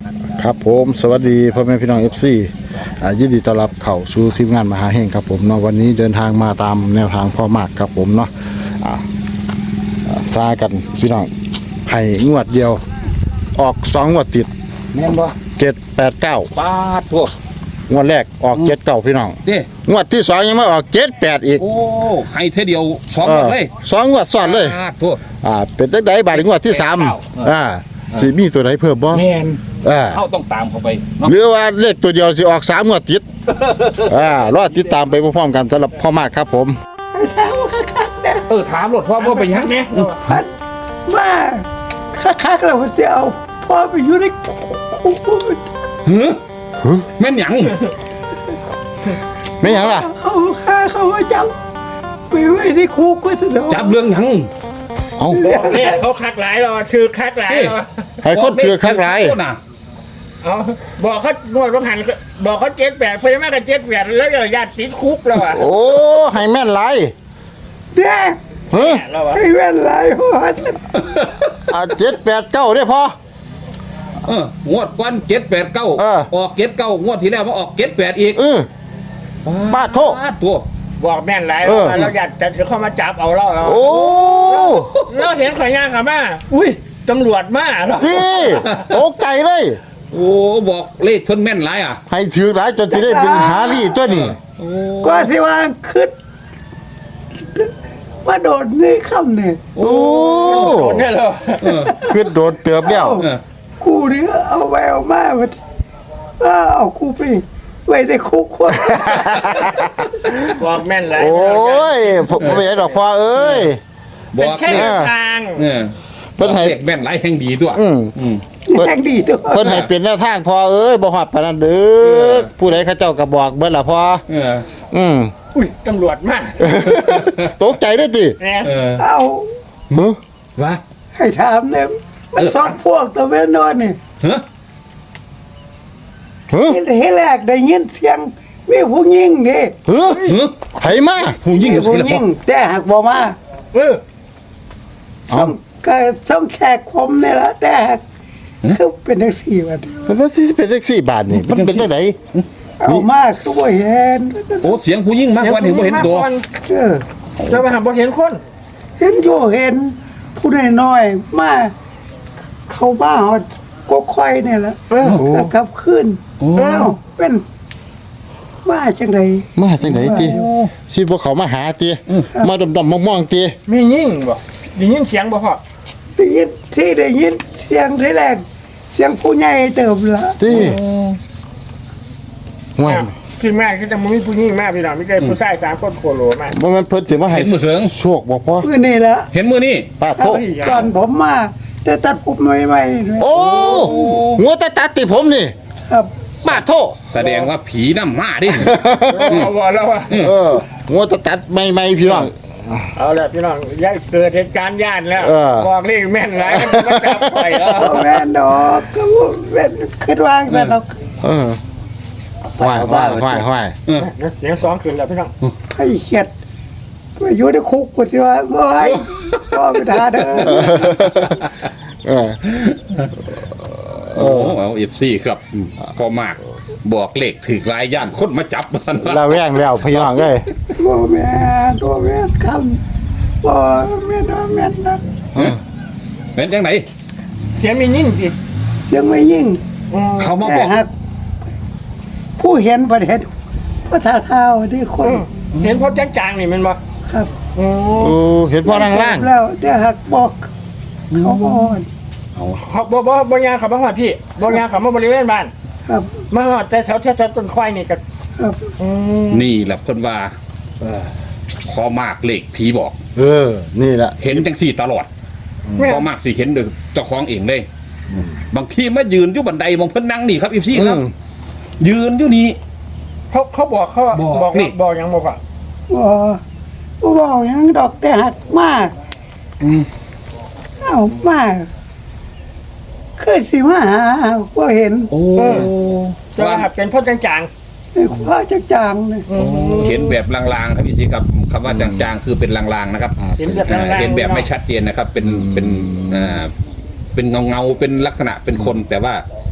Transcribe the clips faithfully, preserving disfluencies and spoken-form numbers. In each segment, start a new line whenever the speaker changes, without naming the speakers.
ครับผมสวัสดีพ่อแม่พี่น้อง เอฟ ซี อ่ายินดีต้อนรับเข้าสู่ทีมงานมหาเฮงครับผมเนาะวันนี้เดินทางมาตามแนวทางพ่อมากครับผมเนาะอ่าอ่าซากันพี่น้องให้งวดเดียวออกสองงวดติด
แม่นบ่
เจ็ดแปดเก้า
ปาดทั่ว
งวดแรกออกเจ็ดเก้าพี่น้อง
เด้
งวดที่สองยังไม่ออกเจ็ดแปดอีก
โอ้ให้เท่าเดียวพร้อมหมดเลย
ออสองงวดซ้อนเลย
ปาดทั่ว
อ่าเป็นตั้งแต่บาทงวดที่สาม
เก้า
อ่าสิมีตัวไหนเพิ่มบ่
แม่น
อ่า
เข้าต้องตามเข้าไปเนาะ
หรือว่าเลขตัวเดียวสิออกสามงวดติด อ่ารอติดตามไปพร้อมๆกันสำหรับพ่อมากครับผม
ถามว่าคักๆนะ
เออถามรถพ่อว่าไปยังเนี่ย
พัดว่าคักๆเราจะเอาพ่อไปอยู่ในคุก
หือแม่นหยัง
ไม่หยังล่ะ
เขาฆ่าเขาว่าจับไปไว้ในคุกก็สะดวก
จับเรื่องหยัง
เอา
เนี่ยเขาคักหลายเราชื่อคักหลายเรา
ให้คนเชื่อคักหลาย
โทษนะ
เอาบอกเขาหนวดว่าหันบอกเขาเจ็ดแปดเพราะยังไม่กันเจ็ดแปดแล้วญาติติดคุกแล้วอ่ะ
โอ้ให้แม่นหลาย
เด้
เฮ้ย
แล้วอ่ะ
ให้แว่นหลายเพราะว่า
อ่าเจ็ดแปดเก้าได้พอ
เอองวดก้อนเจ็ดแปดเก้า
เออ
ออกเจ็ดเก้างวดที่แล้วมาออกเจ็ดแปดอีก
เออ ปาดโทษ
ปาดตัว
บอกแม่นหลาย
เออ
แล้วญาติจะเข้ามาจับเอาเราเรา
โอ้
เราเห็นข่อยย่างกับมาอุ้ยตำรวจมาเรา
ที่ตกใจเลย
โอ้บอกเลขเพิ่นแม่นหลายอ่ะ
ให้ถือหลายจนสิได้เป็นหาลี่ตัวนี้
โอ้
ก็สิว่าขึ้นมาโดดในคำเนี่ย
โอ้
โดนเนี่ยเรา
เออ
ขึ้นโดดเติบแล้ว
เออ
กูนี่เอาแววมาว่าเอากูไปไว้ในคุกคน
บอกแม่นหลาย
โอ้ยผมไม่ใช่ดอกพ่อเอ้ย
บ
เป็น
อก
แค่
เล
แน
ยว
ทาง
เออ
เพิ่นให้
เลขแม่นหลายแห่งดีตัว
อืม
อืม
แทงดีตัว
เพิ่นให้เป็นแนวทางพ่อเอ้ยบ่ฮอดปานนั้นเด้อผู้ใดเขาเจ้าก็บอกเบิดล่ะพ่อ
เออ
อืม
อุ้ยตำรวจมา
ตกใจด้วยติ
เนี่ย
เออ
เอา
หึ
วะ
ให้ถามเนี่ยมันสองพวกตัวเวนนอนนี่
เฮ้ย
หึ
เห็นแรกได้ยินเสียงมีผู้หญิงนี่
หึ
เฮ้ย
ไผมา
ผู้ยิ่ง
มี
สิ
ผู้
แล้ว
หญิงแต่หากบ่มา
เออ
เอ้า
ส่งก็ส่งแขกคมนี่ละแต่หากคือเป็นจังซี่ว่า
แล้วสิเป็นแท็กซี่บาทนี่มันเป็นจังได
เอามาคือบ่เห็น
โอ้เสียงผู้ยิ่งมากกว่าเห็นบ่เห็นตัว
เออ
จะมาหาบ่เห็นคน
เห็นอยู่เห็นผู้น้อยๆมาเข้ามาฮอดก็ค่อยนี่ละ
เออ
ก็กลับคืน
โอ้
เอ้าเป็นมาจังได
มาจังไดติสิบ่เขามาหาติมาดำๆมองๆติ
มียิ่งบ่มียิ่งเสียงบ่พ่อ
ได้ยินที่ได้ยินเสียงที่แรกเสียงผู้ใหญ่เติมละ
ติว่า
พี่แม่คือจะมีผู้หญิงมากพี่น้องไม่เคยผู้ชายสามคนโคโลมาก
บ่แม่นเพิ่นสิมาให้
เห็นมือเถิง
โชคบ่พ่อ
คือนี่ละ
เห็นมือนี่
ป้าโทษ
ตอนผมมาแต่ตัดผมใหม่ๆด้วย
โอ้หัวตาตัดติผมนี่
ครับ
ป้าโทษ
แสดงว่าผีน้ำมาดิ
เอาบ่แล้วว่า
เออหัวตาตัดใหม่ๆพี่น้อง
เอาละพี่น้องย่าเกิดเหตุการณ์ย่านแล้ว
เออ
บอกเลขแม่นหลายมันมาจับไปแล้ว
บ่แม่นดอกก็บ่แม่นคิดวางซะดอก
เออห้อยห้อยห้อยห้อย
เออ
เสียงสองขึ้นแล้วพี่น้อง
ให้เข็ดมาอยู่ในคุกกูสิว่าบ่ให้บ่ไปทาเด้อ
เออ
โอ้เอาเอฟซีครับพอมาก บอกเลขถือลายย่านคนมาจับมัน
เราแว่งแล้วพี่น้องเอ้ย
บ่แม่นบ่แม่นคำบ่แม่นบ่แม่นนะ
เป็นจังไหน
เสียงมียิ่งจิ
เสียงไม่ยิ่ง
เขามาบ
แต่
อก
หากผู้เห็นประเทศภาษาเท้าที่คน
เห็นพบจางๆนี่มันบ่
ครับ
โอ้
โอ้เห็นพ่อล่างล่าง
แล้วแต่หากบอกเขาบอน
เขาบ่บ่บ่ยางเขาบ่ฮอดพี่บ่ยางเขามาบริเวณบ้าน
ครับ
มาฮอดแต่แถวแถวต้นควายนี่ก็
ครับ
อืม
นี่แหละคนว่าพอมากเลขผีบอก
เออ นี่แหละ
เห็นจังสี่ตลอด
แม่
พอมากสิเห็นเด้อเจ้าของเองเลย บางทีมายืนอยู่บันไดมองเพิ่นนั่งนี่ครับอีซี่ครับ ยืนอยู่นี่
เขาเขาบอกเขา
บอก
บอก
นี่
บอกหยังบ่พ่อ
บ่บ่บอกหยังดอกแต่หักมาก
อืม
เอ้ามาคือสิมาหาบ่เห็น
โอ้
จะว่าเป็นพบจาง
ไอ้คว้าจักจางเลย
ๆอืม
เห็นแบบลางๆครับอีซี่ครับคำว่าจางๆคือเป็นลางๆนะครับ
เห็นแบบ
อ่า
ลางๆ
เห็นแบบไม่ชัดเจนนะครับ เป็นเป็นอ่าเป็นเงาเงาๆเป็นลักษณะเป็นคนแต่ว่า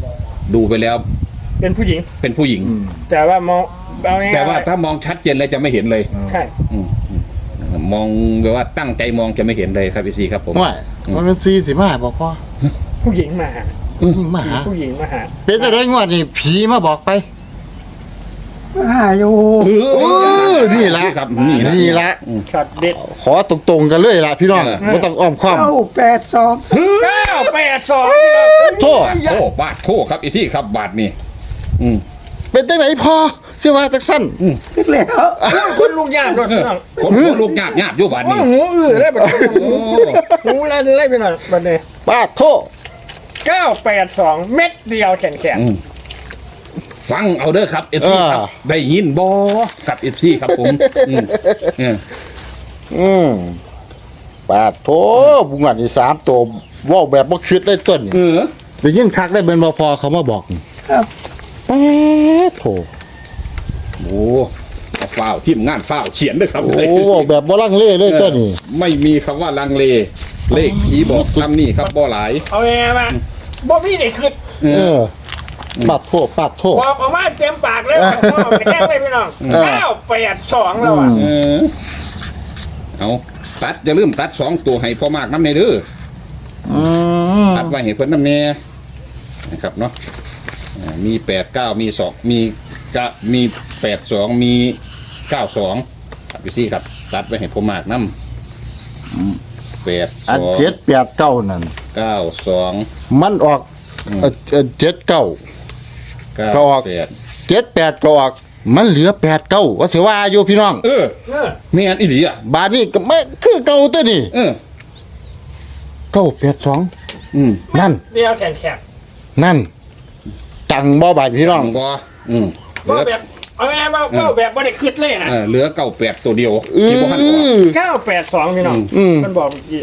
ดูไปแล้ว
เป็นผู้หญิง
เป็นผู้หญิง
แต่ว่ามองเอาง่ายๆ
แต่ว่าถ้ามองชัดเจนเลยจะไม่เห็นเลย
ใช่
อืมอืมมองแบบว่าตั้งใจมองจะไม่เห็นเลยครับพี่ซีครับผม
ว่ามันเป็นสี่สิบห้าบอกพ่อ
ผู้หญิงมาหา
ยิ่งมาหา
ผู้หญิงมาหา
เป็นอะไรงวดนี่ผีมาบอกไป
หาอยู่
โอ้นี่ละ
ครับนี่ละ
นี่ละ
ช็อตเด็ด
ขอตรงๆกันเลยล่ะพี่น้อง
เออ
ไม่ต้องอ้อมค้อม
เก้าแปดสอง
เก้าแปดสอง
โทษ
โอ้บาทโทครับอีที่ครับบาทนี่อืม
เป็นตั้งไหนพอเชื่อว่าจักสั้น
นึกแล้ว
คนลูกยากด้วย
เออ
พี่น้อง
คนหัวลูกหยาบหยาบอยู่บาท
โอ้
นี่
ยหูอื้อเลยแบบ
โอ้
หูลั่นเลยไปหน่อยบัดนี้
ป้าโทษ
เก้าแปดสองเม็ดเดียวแขนแขน
อืมฟังเอาเด้อครับเอฟซีครับได้ยินบอครับเอฟซีครับผมอืมเออ
อืมป้าโทษบุญงานที่สามตัวเว่าแบบบ่คิดเลยต้น
เออ
ได้ยินคักได้เป็นบ่พอเขามาบอก
ครับ
ป้าโท
โอ้เอาฝ้าวทีมงานฝ้าวเขียนด้วยครับ
โอ้เว้าแบบบ่ลังเลเลยต้นนี่
ไม่มีคำว่าลังเล เลขผีบอกซ้ำนี่ครับบ่หลาย
เอาไงมาบ่มีเด็กขึ้น
เอ
เอ
อ
อปาดโทษปาดโทษ
บอกออกมาเต็มปากเลยว่าพ่อไปแค่เลยพี่น้อง
เออ
เก้าแปดสองแล้วอ่ะ
เออเอาตัดอย่าลืมตัดสองตัวให้พ่อมากน้ำในเด้อ
อืม
ตัดไว้ให้เพิ่นน้ำแน่นะครับเนาะอ่ามีแปดเก้ามีสองมีกะมีแปดสองมีเก้าสองครับพี่ซี่ครับ ตัดไว้ให้พ่อมากน้ำแปดส
อัน
อง
เจ็ดแปดเก้านั่น
เก้าสอง
มันออกเอ่อเอ่อเจ็ดเก้า
เก้า
ก็ออก
แปด
เจ็ดแปดก็ออก มันเหลือแปดเก้าว่าเสียว่าอยู่พี่น้อง
เออ
เออ
ไม่อันอีหลีอ่ะ
บาทนี้ก็ไม่คือเก่าตัวนี่
เออ
เก้าแปดสอง
อืม
นั่น
เดียวแขนแขน
นั่นจังบ่บาทพี่น้อง
ก็อืมเหลื
ว่า
อ
แบบเอาไงมาว่าแบบบ่ได้ขึ้นเลยนะ
เออเหลือเก้าแปดตัวเดียว
อื
ที่พ่อพันออก
อ
เก้าแปดสองพี่น้อง
อืม
มันบอกเมื่อกี้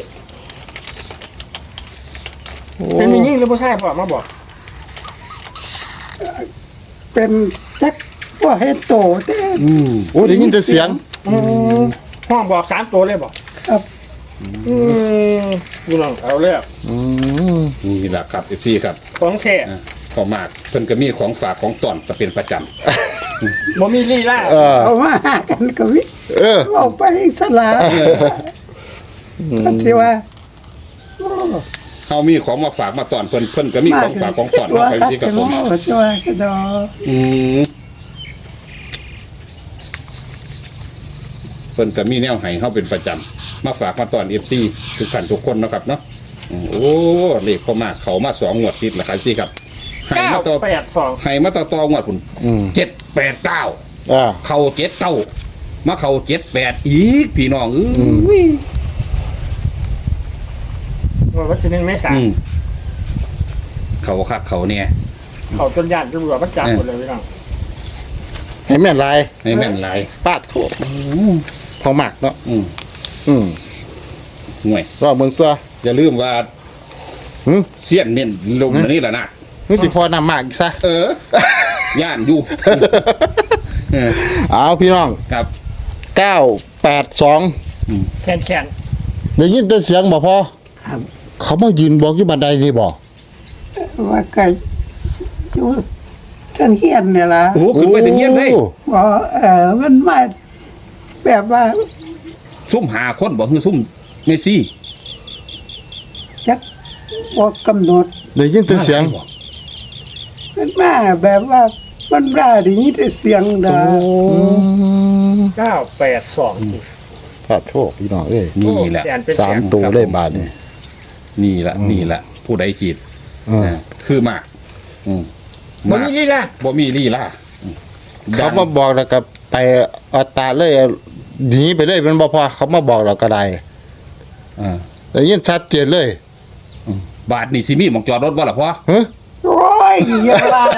เป็นมียิ่งหรือผู้ชายบอกมาบอก
เป็นจักว่าเฮ็ดโตแต่
อืม
โอ้ได้ยินแต่เสียง
ห้องบอกสามตัวเลยบอก
ครับ
อืมพี่น้องเอาเลย
อืม
นี่แหละครับพี่ครับ
ของแท้
อ่ะพอมากเพิ่นก็มีของฝากของต้อนจะเป็นประจ
บ่มีลีลา
เออ
เอามาหากันก็วิ
เออ
เอาไปสลาก็สิว่าโอ้
ำเขามีของมาฝากมาต้อนเพิ่นเพิ่นก็มีของฝากของต้อน
ตัว
มาให้
ครับ
พี่ครับผม
ตัวกระดอ
อืมเพิ่นก็มีแนวให้เขาเป็นประจำมาฝากมาต้อนเอฟซีทุกท่านทุกคนเนาะครับเนาะอืมโอ้เลขพอมากเขามาสองงวดติดแล้วครับพี่ครับให้
เก้า
มาต่อ
แปดสอง
ให้มาต่อต่องวดพุ่น
อืม
เจ็ดแปดเก้า
อ่า
เข้าเจ็ดเก้ามาเข้าเจ็ดแปดอีกพี่น้องเอ้ย
วันที่หนึ่งเมษา
อืมเขาคักเขาเนี่ย
เขาจนญาติตำรวจมันจับหมดเลยพี่น้อง
ให้แม่นลาย
ให้แม่นหลาย
ปาดโทษพอมากเนาะ
อืม
อืม
ห่วย
รอบเมืองตัว
อย่าลืมว่า
หึ
เสี้ยนเนี่ยลงมานี่แหละนะ
นี่สิพอนำมากอีกซะ
เออย่านอยู่เออ
เอาพี่น้อง
ครับ
เก้าแปดสอง
แขนแขน
ได้ยินแต่เสียงบ่พอ
ครับ
เขามายืนบอกอยู่บันไดนี่บ่
ว่าไก่อยู่เทังเฮียนเนี่ยล่ะ
โอ้โหขึ้นไปถึงเงี้ยเลย
โอ้
บ่เออมันมาแบบว่า
ซุ่มหาคนบอกคือซุ่มเมสซี่
จักบ่กำหนด
ได้ยินแต่เสียง
มันมาแบบว่ามันได้ได้ยินแต่เสียงดา
อืม
เก้าแปดสอง
ขอโทษพี่น้องเอ้ย
นี่แหละ
แขนเป็น
สาม
แขน
ตัวเลยบาทนี่
นี่แหละนี่แหละผู้ใดฉีด
เออ
นะคือมาก อืม
บ่
มาก
มีลีลา
บ่มีลี่ล่าอืม
เขามาบอกแล้วก็ไปเอาตาเลยหนีไปเลยมันบ่พอเขามาบอกเราก็ได้
อ่า
ได้ยินชัดเจนเลย
อืมบาทนี่สิมีหมองจอดรถว่าล่ะพ่อ
ฮะ
โอ้ยอย่าว่า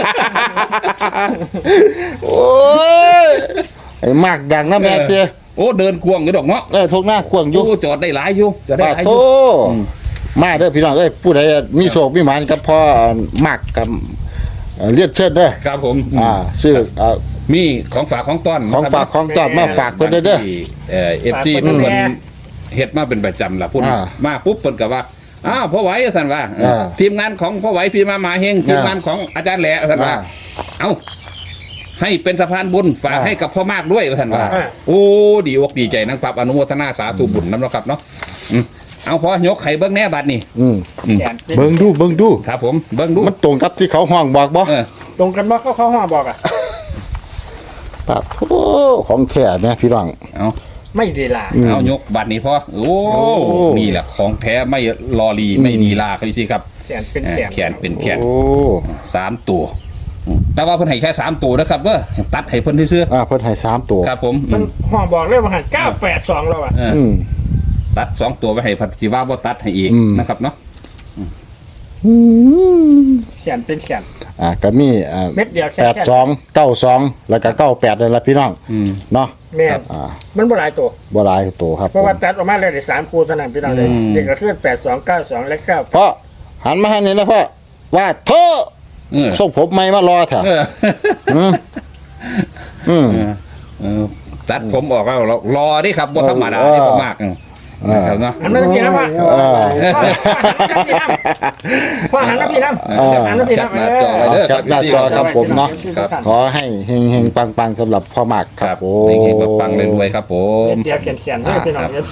โอ้ยไอ้มากดังนะแม่เจ้
โอ้เดินกวงอยู่ดอกเนาะ
เออทุกหน้ากวางอยู่
โอ้จอดได้หลายอยู่จอดได้
ปา
หลายอ
โท
ยู่ อืม
มาเด้อพี่น้องเอ้ยผู้ใดมีโศกมีหมานกับพ่อมากกับเอ่อเลียดเชิดเด้อ
ครับผม
อ่าซื้อเอ่อ
มีของฝากของต้อน
ของฝากของตอบมาฝากเพิ่นเด้อเด้อ
ที่เอ่อฟซีเพิ่นเพิ่นเฮ็ดมาเป็นประจำล่ะพุ่น
อ่า
มาปุ๊บเพิ่นก็ว่าอ้าวพ่อไหวสันว่า
อ่า
ทีมงานของพ่อไหวพี่มามาเฮงทีมงานของอาจารย์แหล่สันว่า
อ่า
เอ้าให้เป็นสะพานบุญฝาก
อ่า
ให้กับพ่อมากด้วยสันว่า
อ่า
โอ้ดีอกดีใจนะครับอนุโมทนาสาธุบุญน้ำเนาะครับเนาะอืมเอาพอยกไข่เบิ้งแน่บัดนี่
อืม
แขนเป็น
เบิ่งดูเบิ่งดู
ครับผมเบิ้งดู
มันตรงกับที่เขาห้องบอกบ่
เออ
ตรงกันบ่เขาเขาห้องบอกอ่ะ
ปะโอ้ของแท้เนี่ยพี่น้อง
เอา
ไม่ดีลา
อืม
เอายกบัดนี้พอโอ้
โอ้
นี่แหละของแท้ไม่รอลีไม่ดีลาครับพี่ซีครับ
แขนเป็น
เออ
แขน
แขนเป็นแขน
โอ้
สามตัวอืมแต่ว่าเพิ่นให้แค่สามตัวนะครับเว้อตัดให้เพิ่นซื่อ
อ่าเพิ่นให้สามตัว
ๆครับผม
มันห้องบอกเลยว่าหันเก้าแปดสองแล้วอ่ะ
เออ
อืม
ตัดสองตัวไว้ให้พันธิว่าบ่ตัดให้อีก
อืม
นะครับเนาะ
อืม
แขนเป็นแขน
อ่าก็มีอ่า
เม็ดเดียวแค่
แปดสองเก้าสองแล้วก็เก้าแปดเลยละพี่น้อง
อืม
เนาะ
แม่
อ่า
มันบ่หลายตัว
บ่หลายตัวครับ
เพราะว่าตัดออกมาเลยได้สามคู่เท่านั้นพี่น้องเลย
อืม
เด็กก็คือแปดสองเก้าสองและเก้า
เพราะหันมาให้นี่นะพ่อว่าเธอ
เออ
ส่งผมไม่มารอเถอะ
เออ
อืมอืม
เออเออตัดผมออกแล้วรอรอดิครับบ่ธรรมดา
เออ
นี่ผมมากอืมนะครับเนาะ
หันมาพี่น้ำพ่อ
เออ
พ่อหันมาพี่น้ำพ่อหันมาพี่น้ำหันมาพี่น้ำ
จับหน้าจอไว้เด้อ
จับหน้าจอครับผมเนาะ
ครับ
ขอให้เฮงเฮงปังปังๆสำหรับพ่อหมากค
ค
รั
รั
บบ ผม
นี่ๆปังๆรวยๆครับผม
เดียวแขนแขนให้พี่น้องเอฟซี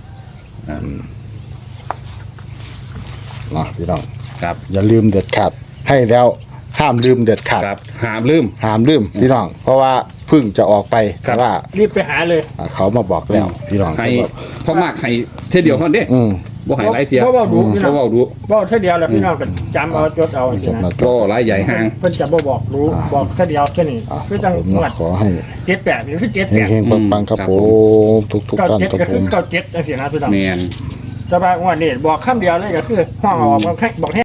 เนาะพี่น้อง
ครับ
อย่าลืมเด็ดขาดให้แล้วห้ามลืมเด็ดขาด
ครับหามลืม
ห้ามลืมพี่น้อง เพราะว่าเพึ่งจะออกไป
ครับ
แต่ว่า
รีบไปหาเลย
อ่าเขามาบอกแล้วพี่น้อง
ให้
เขาบอก
พ่อมากให้เท่ยเดียวเท่านั้นเด้
อืม
บ่ให้หลายเที่ย
เพราะว่าดูพี่น้
บ่
อง
เว้าดู
บอกแค่เดียวแล้วพี่น้องก็จำเอาจดเอาสิ
จบ
นะ
นะ
ก็หลายใหญ่ห่าง
เพิ่นจะบ่บอกรู้บอกแค่เดียวแค่นี้
อ่า
คือจัง
ผม
หวัด
ขอให้
เจ็ดแปดหรือคือเจ็ด
เฮ
แป
ง
ด
เฮงปังปังๆครับ
ครับ
ผ
ผม
มทุกทุก
เก้า
ท่าน
เจ็ด
ครับ
ก็
ผ
คือ
ม
เก้าเจ็ดจังซี่นะพี่น้อง
แม่น
แต่ว่างวดนี้บอกคำเดียวเลยก็คือห้องออกบอกให้บอกให้